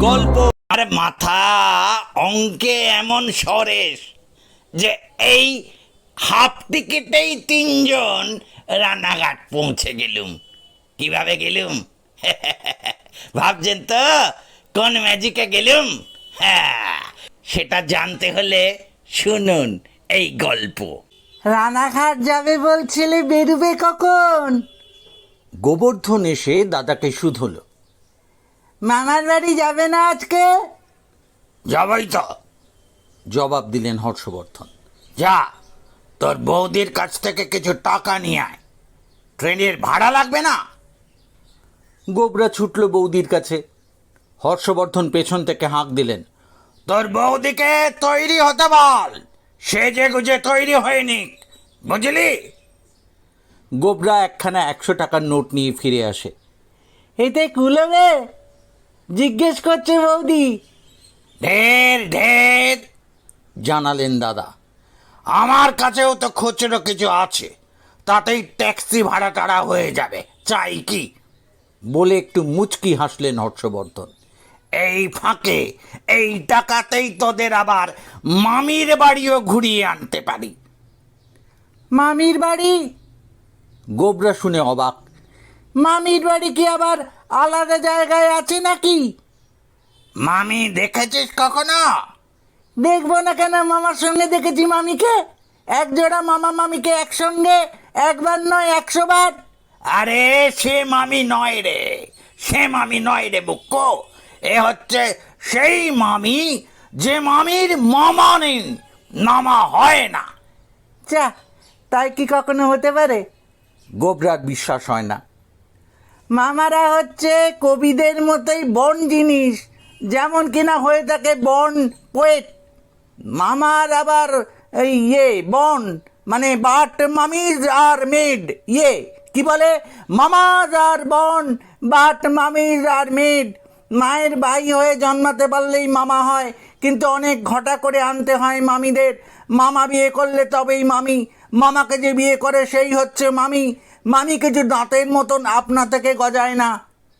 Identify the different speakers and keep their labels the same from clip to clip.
Speaker 1: গল্প। আরে মাথা অঙ্কে এমন সরেস যে এই হাফ টিকিটেই 3 জন রানাঘাট পৌঁছে গেলুম। কিভাবে গেলুম ভাবছেন তো? কোন ম্যাজিকে গেলুম? হ্যাঁ, সেটা জানতে হলে শুনুন এই গল্প।
Speaker 2: রানাঘাট যাবে বলছিলে, বেরুবে কখন?
Speaker 3: গোবর্ধন এসে দাদাকে শুধল।
Speaker 2: মামার বাড়ি যাবে না আজকে?
Speaker 1: যাবই তো।
Speaker 3: জবাব দিলেন হর্ষবর্ধন।
Speaker 1: যা, তোর বৌদির কাছ থেকে কিছু টাকা নিয়ে আয়, ট্রেনের ভাড়া লাগবে না।
Speaker 3: গোবরা ছুটল বৌদির কাছে। হর্ষবর্ধন পেছন থেকে হাঁক দিলেন,
Speaker 1: তোর বৌদিকে তৈরি হতে বল, সেজে গুজে তৈরি হয়নি, বুঝলি?
Speaker 3: গোবরা একখানা 100 টাকার নোট নিয়ে ফিরে আসে।
Speaker 2: এতে কুলোবে? জিজ্ঞেস করছে বৌদি।
Speaker 1: ঢের ঢের,
Speaker 3: জানালেন দাদা।
Speaker 1: আমার কাছেও তো খুচরো কিছু আছে, তাতেই ট্যাক্সি ভাড়া টাড়া হয়ে যাবে, চাই কি?
Speaker 3: বলে একটু মুচকি হাসলেন হর্ষবর্ধন।
Speaker 1: এই ফাঁকে এই টাকাতেই তোদের আবার মামির বাড়িও ঘুরিয়ে আনতে পারি।
Speaker 2: মামির বাড়ি?
Speaker 3: গোবরা শুনে অবাক।
Speaker 2: মামির বাড়ি কি আবার আলাদা জায়গায় আছে নাকি?
Speaker 1: মামি দেখেছিস কখনো?
Speaker 2: দেখবো না কেন, মামার সঙ্গে দেখেছি মামিকে। এক জোড়া মামা মামিকে একসঙ্গে একবার নয় 100 বার।
Speaker 1: আরে সে মামি নয় রে, সে মামি নয় রে বুক্কো। এ হচ্ছে সেই মামি যে মামির মামা নেই, নামা হয় না।
Speaker 2: চা, তাই কি কখনো হতে পারে?
Speaker 3: গোবরার বিশ্বাস হয় না।
Speaker 2: মামারা হচ্ছে কবিদের মতোই বন জিনিস, যেমন কিনা হয়ে থাকে বন পোয়েট। মামার আবার এই বন মানে বাট মামিজ আর মেড, কি বলে, মামাজ আর বন বাট মামিজ আর মেড। মায়ের ভাই হয়ে জন্মাতে পারলেই মামা হয়, কিন্তু অনেক ঘটা করে আনতে হয় মামিদের। মামা বিয়ে করলে তবেই মামি, মামাকে যে বিয়ে করে সেই হচ্ছে মামি। মামি কিছু দাঁতের মতন আপনা থেকে গজায় না।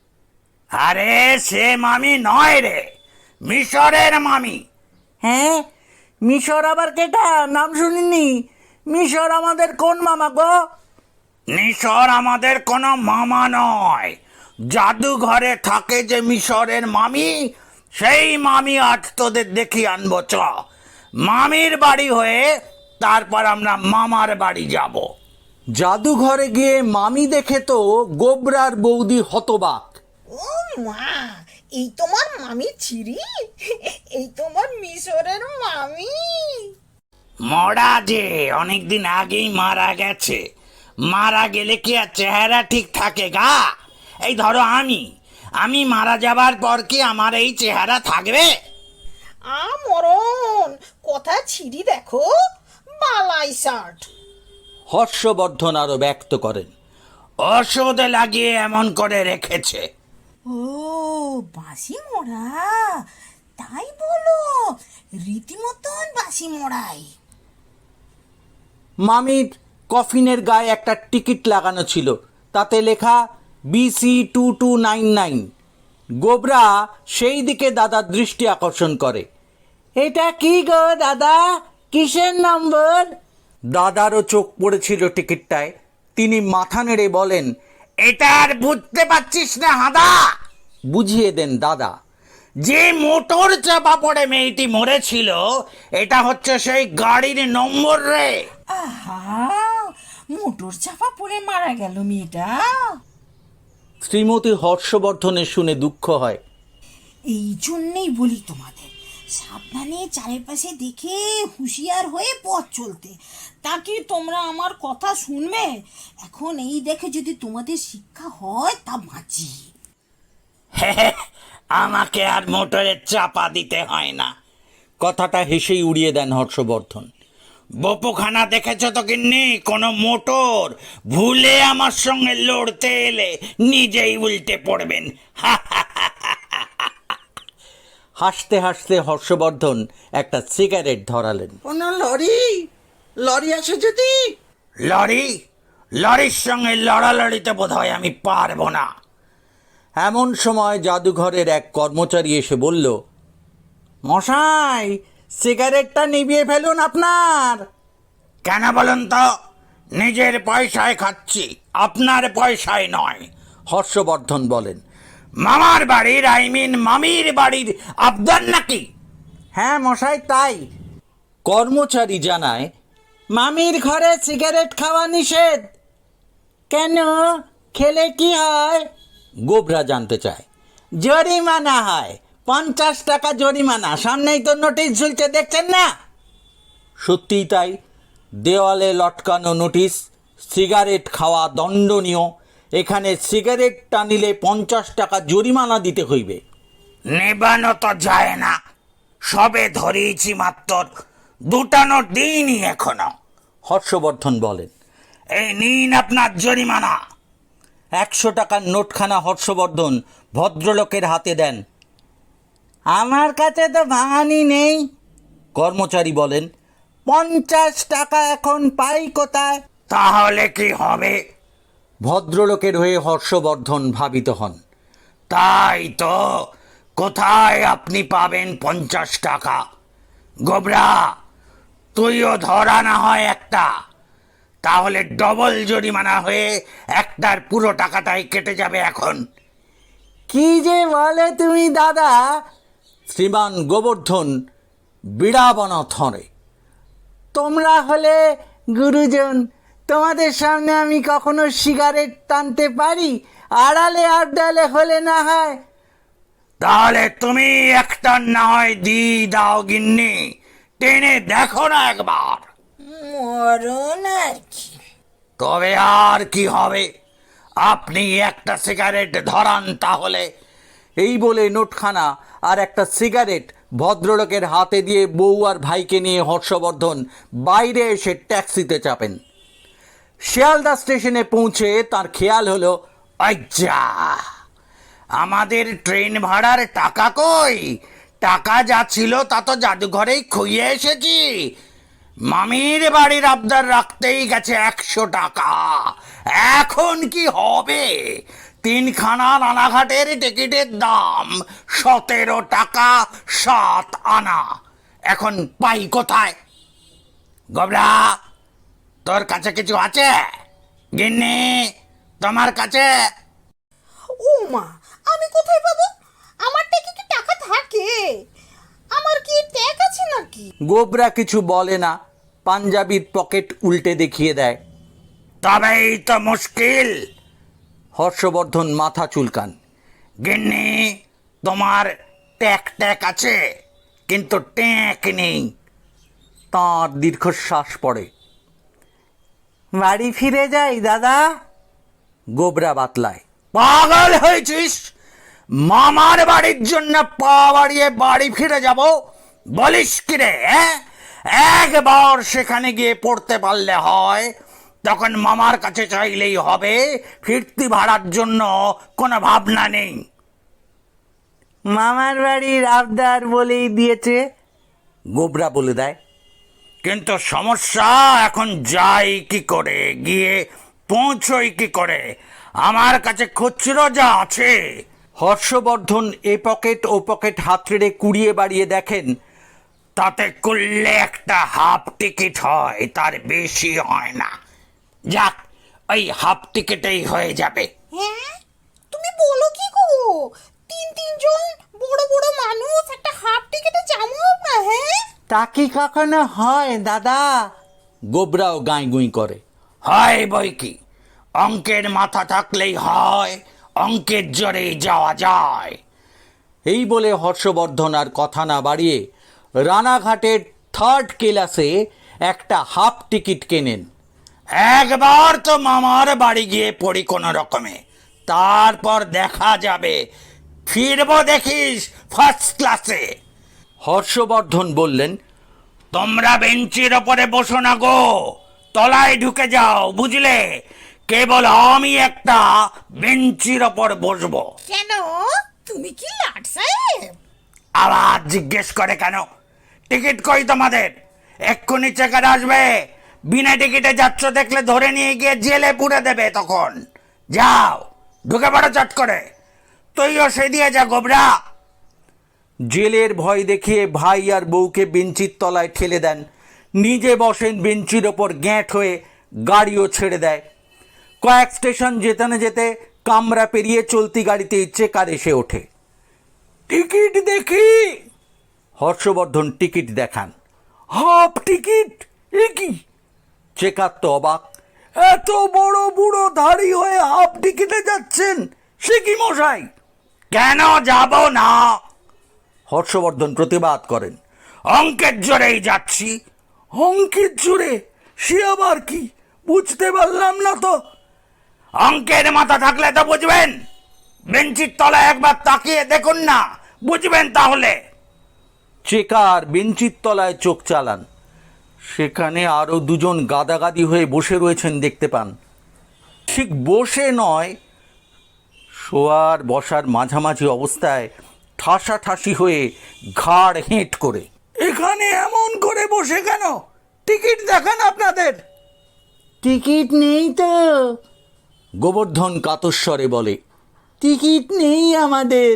Speaker 1: আরে সে মামি নয় রে, মিশরের মামি।
Speaker 2: হ্যাঁ, মিশর আবার কেটা? নাম শুনিনি। মিশর আমাদের কোন মামা গো?
Speaker 1: মিশর আমাদের কোনো মামা নয়, জাদুঘরে থাকে যে মিশরের মামি, সেই মামি আজ তোদের দেখি আনবো। চ, মামির বাড়ি হয়ে তারপর আমরা মামার বাড়ি যাব।
Speaker 3: জাদুঘরে গিয়ে মামি দেখে তো গোবরার বৌদি হতবাক।
Speaker 4: ও মা, এই তোমার মামি ছিরি? এই তোমার মিশরের মামি?
Speaker 1: মরা যে অনেকদিন আগেই মারা গেছে, মারা গেলে কি আর চেহারা ঠিক থাকে গা? এই ধরো আমি মারা যাবার পর কি আমার এই চেহারা থাকবে?
Speaker 4: মরণ কথা ছিরি দেখো, বালাই শার্ট।
Speaker 3: হর্ষবর্ধন আরো ব্যক্ত করেন,
Speaker 1: ওষুধ লাগিয়ে এমন করে রেখেছে।
Speaker 4: ও বাসি মোড়া, তাই বলো? রীতিমতন বাসি মোড়াই।
Speaker 3: মামির কফিনের গায়ে একটা টিকিট লাগানো ছিল, তাতে লেখা BC2299। গোবরা সেই দিকে দাদার দৃষ্টি আকর্ষণ করে।
Speaker 2: এটা কি গো দাদা, কিসের নম্বর?
Speaker 3: দাদারও চোখ পড়েছিল টিকিটটায়। তিনি মাথা নেড়ে বলেন,
Speaker 1: এটা আর বুঝতে পারছিস না হাদা?
Speaker 3: বুঝিয়ে দেন দাদা।
Speaker 1: যে মোটর চাপা পড়ে মেয়েটি মরেছিল, এটা হচ্ছে সেই গাড়ির নম্বর রে।
Speaker 4: আহা, মোটর চাপা পড়ে মারা গেল মেয়েটা।
Speaker 3: শ্রীমতী হর্ষবর্ধনের শুনে দুঃখ হয়।
Speaker 4: এই জন্যেই বলি তোমাদের, সাবধানে চারিপাশে দেখে হুঁশিয়ার হয়ে পথ চলতে। তা কি তোমরা আমার কথা শুনবে? এখন এই দেখে যদি তোমাদের শিক্ষা হয় তা বাঁচি।
Speaker 1: আমাকে আর মোটরের চাপা দিতে হয় না।
Speaker 3: কথাটা হেসেই উড়িয়ে দেন হর্ষবর্ধন।
Speaker 1: বপুখানা দেখেছ তো কিন্নি? কোনো মোটর ভুলে আমার সঙ্গে লড়তে এলে নিজেই উল্টে পড়বেন।
Speaker 3: হাসতে হাসতে হর্ষবর্ধন একটা সিগারেট ধরালেন।
Speaker 2: কোনো লরি আসে যদি?
Speaker 1: লরির সঙ্গে লড়ালড়িতে বোধ হয় আমি পারবো না।
Speaker 3: এমন সময় জাদুঘরের এক কর্মচারী এসে বলল,
Speaker 2: মশাই, সিগারেটটা নিভিয়ে ফেলুন আপনার।
Speaker 1: কেন বলুন তো? নিজের পয়সায় খাচ্ছি, আপনার পয়সায় নয়।
Speaker 3: হর্ষবর্ধন বলেন।
Speaker 1: মামার বাড়ির মামির বাড়ির আবদার নাকি?
Speaker 2: হ্যাঁ মশাই, তাই।
Speaker 3: কর্মচারী জানায়,
Speaker 2: মামির ঘরে সিগারেট খাওয়া নিষেধ। কেন, খেলে কি হয়?
Speaker 3: গোবরা জানতে চায়।
Speaker 2: জরিমানা হয়, 50 টাকা জরিমানা। সামনেই তো নোটিশ ঝুলছে, দেখছেন না?
Speaker 3: সত্যিই তাই। দেওয়ালে লটকানো নোটিশ, সিগারেট খাওয়া দণ্ডনীয়। এখানে সিগারেট টানিলে 50 টাকা জরিমানা দিতে হইবে।
Speaker 1: নেবানো তো যায় না, সবে ধরিয়েছি মাত্র, দুটানো দিনই এখনো।
Speaker 3: হর্ষবর্ধন বলেন।
Speaker 1: এই নিন আপনার জরিমানা।
Speaker 3: 100 টাকার নোটখানা হর্ষবর্ধন ভদ্রলোকের হাতে দেন।
Speaker 2: আমার কাছে তো ভাঙানি নেই।
Speaker 3: কর্মচারী বলেন,
Speaker 2: 50 টাকা এখন পাই কোথায়?
Speaker 1: তাহলে কি হবে?
Speaker 3: ভদ্রলোকের হয়ে হর্ষবর্ধন ভাবিত হন।
Speaker 1: তাই তো, কোথায় আপনি পাবেন 50 টাকা? গোবরা, তুইও ধরা না হয় একটা, তাহলে ডবল জরিমানা হয়ে একটার পুরো টাকাটাই কেটে যাবে এখন।
Speaker 2: কি যে বলে তুমি দাদা!
Speaker 3: শ্রীমান গোবর্ধন বিড়াবনা থরে।
Speaker 2: তোমরা হলে গুরুজন, তোমাদের সামনে আমি কখনো সিগারেট টানতে পারি? আড়ালে আড্ডালে হলে না হয়।
Speaker 1: তাহলে তুমি একটা না হয় দাও গিন্নি, টেনে দেখো না একবার।
Speaker 4: মরণ আর কি।
Speaker 1: তবে আর কি হবে, আপনি একটা সিগারেট ধরান তাহলে।
Speaker 3: এই বলে নোটখানা আর একটা সিগারেট ভদ্রলোকের হাতে দিয়ে বউ আর ভাইকে নিয়ে হর্ষবর্ধন বাইরে এসে ট্যাক্সিতে চাপেন। শিয়ালদা স্টেশনে পৌঁছে তার খেয়াল হলো,
Speaker 1: আচ্ছা, আমাদের ট্রেন ভাড়ার টাকা কই? টাকা যা ছিল তা তো জাদুঘরেই খুইয়ে এসেছি। মামির বাড়ির আবদার রাখতেই গেছে 100 টাকা। এখন কি হবে? 3খানা রানাঘাটের টিকিটের দাম 17 টাকা 7 আনা। এখন পাই কোথায়? গোবরা, তোর কাছে কিছু আছে? গিন্নি, তোমার কাছে?
Speaker 4: ও মা, আমি কোথায় পাবো? আমার টাকা কি টাকা থাকে? আমার কি ট্যাগ আছে নাকি?
Speaker 3: গোবরা কিছু বলে না, পাঞ্জাবির পকেট উল্টে দেখিয়ে দেয়।
Speaker 1: তবেই তো মুশকিল।
Speaker 3: হর্ষবর্ধন মাথা চুলকান।
Speaker 1: গিন্নি, তোমার ট্যাক আছে, কিন্তু ট্যাক নেই।
Speaker 3: তাঁর দীর্ঘশ্বাস পড়ে।
Speaker 2: বাড়ি ফিরে যাই দাদা।
Speaker 3: গোবরা বাতলায়।
Speaker 1: পাগল হয়েছিস? মামার বাড়ির জন্য পা বাড়িয়ে বাড়ি ফিরে যাব বলিস কি রে? একবার সেখানে গিয়ে পড়তে পারলে হয়, তখন মামার কাছে চাইলেই হবে। ফিরতি ভাড়ার জন্য কোনো ভাবনা নেই।
Speaker 2: মামার বাড়ির আবদার বলেই দিয়েছে।
Speaker 3: গোবরা বলে দেয়।
Speaker 1: কিন্তু সমস্যা, এখন যাই কি করে, গিয়ে পৌঁছই কি করে? আমার কাছে খুচরো যা আছে।
Speaker 3: হর্ষবর্ধন এ পকেট ও পকেট হাতড়ে কুড়িয়ে বাড়িয়ে দেখেন,
Speaker 1: তাতে করলে একটা হাফ টিকিট হয়, তার বেশি হয় না। যাক, ওই হাফ টিকিটেই হয়ে যাবে।
Speaker 4: হ্যাঁ, তুমি বলো কি গো? 3 জন বড় বড় মানুষ একটা হাফ টিকেটে যাবো না? হ্যাঁ,
Speaker 2: তা কি কখনো হয় দাদা?
Speaker 3: গোবরাও গাঁই করে।
Speaker 1: হয় বই কি, অঙ্কের মাথা থাকলেই হয়, অঙ্কের জোরেই যাওয়া যায়।
Speaker 3: এই বলে হর্ষবর্ধন আর কথা না বাড়িয়ে রানাঘাটের 3rd ক্লাসে একটা হাফ টিকিট কেনেন।
Speaker 1: একবার তো মামার বাড়ি গিয়ে পড়ি কোনো রকমে, তারপর দেখা যাবে। ফিরবো দেখিস ফার্স্ট ক্লাসে।
Speaker 3: হর্ষবর্ধন বললেন,
Speaker 1: তোমরা বেঞ্চির ওপরে বসো না গো, তলায় ঢুকে যাও, বুঝলে? কেবল আমি একটা বেঞ্চির ওপর বসবো।
Speaker 4: কেন? তুমি কি লাট সাহেব?
Speaker 1: আবার জিজ্ঞেস করে কেন? টিকিট কই তোমাদের? এক্ষুনি চেকার আসবে। বিনা টিকিটে যাচ্ছ দেখলে ধরে নিয়ে গিয়ে জেলে পুরে দেবে তখন। যাও, ঢুকে পড়ো চট করে। তুইও সে দিয়ে যা গোবরা।
Speaker 3: জেলের ভয় দেখিয়ে ভাই আর বউকে বেঞ্চির তলায় ঠেলে দেন, নিজে বসেন বেঞ্চির ওপর গ্যাঁট হয়ে, গাড়িও ছেড়ে দেয়। কয়েক স্টেশন যেতে না যেতে কামরা পেরিয়ে চলতি গাড়িতে চেকার এসে ওঠে। টিকিট দেখি। হর্ষবর্ধন টিকিট দেখান। Half ticket? এ কি? চেকার তো অবাক। এত বড় বুড়ো ধাড়ি হয়ে হাফ টিকিটে যাচ্ছেন, সে কি মশাই?
Speaker 1: কেন যাব না?
Speaker 3: হর্ষবর্ধন প্রতিবাদ করেন।
Speaker 1: অঙ্কের জোরেই যাচ্ছি।
Speaker 3: অঙ্কের জোরে? সে আবার কি? বুঝতে পারলাম না তো।
Speaker 1: অঙ্কের মাথা থাকলে তো বুঝবেন। বেঞ্চির তলায় একবার তাকিয়ে দেখুন না, বুঝবেন তাহলে।
Speaker 3: চেকার বেঞ্চির তলায় চোখ চালান। সেখানে আরও দুজন গাদাগাদি হয়ে বসে রয়েছেন দেখতে পান। ঠিক বসে নয়, শোয়ার বসার মাঝামাঝি অবস্থায় ঠাসাঠাসি হয়ে ঘাড় হেঁট করে। এখানে এমন করে বসে কেন? টিকিট দেখান আপনাদের।
Speaker 2: টিকিট নেই তো।
Speaker 3: গোবর্ধন কাতস্বরে বলে।
Speaker 2: টিকিট নেই আমাদের।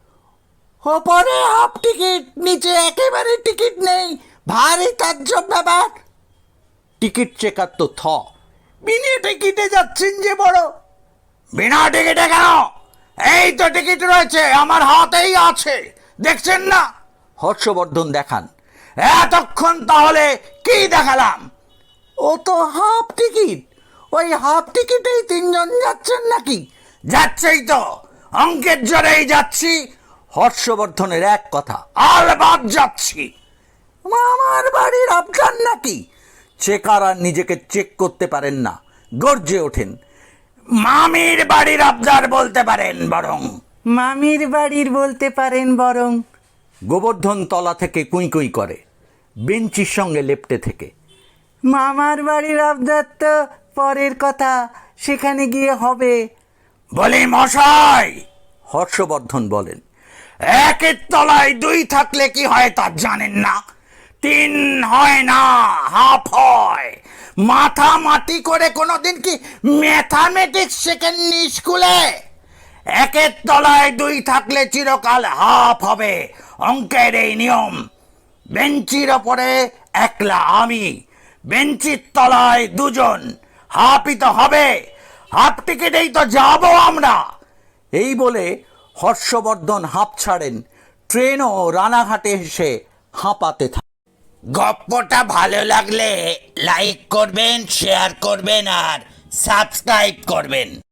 Speaker 2: ওপরে হাফ টিকিট, নিচে একেবারে টিকিট নেই। ভারী তাজ্জব ব্যাপার।
Speaker 3: টিকিট চেকার তো থ। বিনে টিকিটে যাচ্ছেন যে বড়।
Speaker 1: বিনা টিকিটে কেন? এই তো টিকিট রয়েছে, আমার হাতেই আছে, দেখছেন না?
Speaker 3: হর্ষবর্ধন দেখান।
Speaker 1: এতক্ষণ তাহলে কি দেখালাম?
Speaker 2: ও তো হাফ টিকিট। ওই হাফ টিকিটেই তিনজন যাচ্ছেন নাকি?
Speaker 1: যাচ্ছেই তো, অঙ্কের জোরেই যাচ্ছি।
Speaker 3: হর্ষবর্ধনের এক কথা।
Speaker 1: আলবাদ যাচ্ছি।
Speaker 2: মামার বাড়ির আবদার নাকি?
Speaker 3: চেকার আর নিজেকে চেক করতে পারেন না, গর্জে ওঠেন।
Speaker 1: মামির বাড়ির আবদার বলতে পারেন বরং।
Speaker 2: মামির বাড়ির বলতে পারেন বরং।
Speaker 3: গোবর্ধন তলা থেকে কুঁই কুঁই করে, বেঞ্চির সঙ্গে লেপ্টে থেকে।
Speaker 2: মামার বাড়ির আবদার তো পরের কথা, সেখানে গিয়ে হবে।
Speaker 1: বলি মশাই,
Speaker 3: হর্ষবর্ধন বলেন।
Speaker 1: একের তলায় দুই থাকলে কি হয় তা জানেন না? তিন হয় না, হাফ হয়। মাথামাতি করে কোনোদিন কি ম্যাথামেটিক্স শেখেননি স্কুলে? একের তলায় দুই থাকলে চিরকাল হাফ হবে, অঙ্কের এই নিয়ম। বেঞ্চির ওপরে একলা আমি, বেঞ্চির তলায় দুজন, হাফই তো হবে। হাফ টিকিটেই তো যাবো আমরা।
Speaker 3: এই বলে হর্ষবর্ধন হাঁপ ছাড়েন। ট্রেনও রানাঘাটে এসে হাঁপাতে থাকে।
Speaker 1: গপ্পটা ভালো লাগলে লাইক করবেন, শেয়ার করবেন আর সাবস্ক্রাইব করবেন।